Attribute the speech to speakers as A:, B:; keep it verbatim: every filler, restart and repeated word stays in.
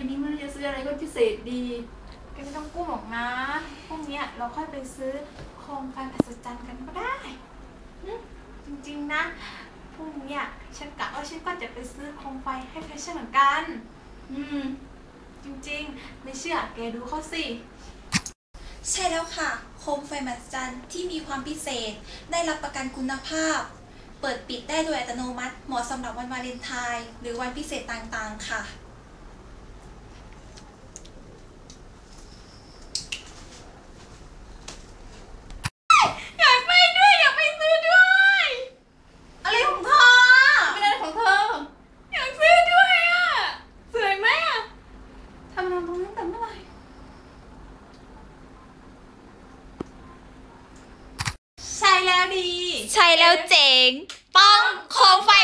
A: นี้ไม่รู้จะซื้ออะไรก็พิเศษดี
B: แกไม่ต้องกู้หรอกนะพรุ่งนี้เราค่อยไปซื้อโคมไฟมหัศจรรย์กันก็ได้จริงๆนะพรุ่งนี้ฉันกะว่าฉันก็จะไปซื้อโคมไฟให้แฟชั่นเหมือนกัน
A: อืม
B: จริงๆไม่เชื่อแกดูเขาสิ
C: ใช่แล้วค่ะโคมไฟมหัศจรรย์ที่มีความพิเศษได้รับประกันคุณภาพเปิดปิดได้โดยอัตโนมัติเหมาะสำหรับวันวาเลนไทน์หรือวันพิเศษต่างๆค่ะ
B: อยากไปด้วยอยากไปซื้อด้วย
C: อะไรของเธอ
A: ไม่ได้ของเธอ
B: อยากซื้อด้วยอ่ะสวยไหมอ่ะทำงานตรงนั้นแต่เมื่อไหร่ใช่แล้วดี
C: ใช่แล้วเจ๋งป้องโคมไฟ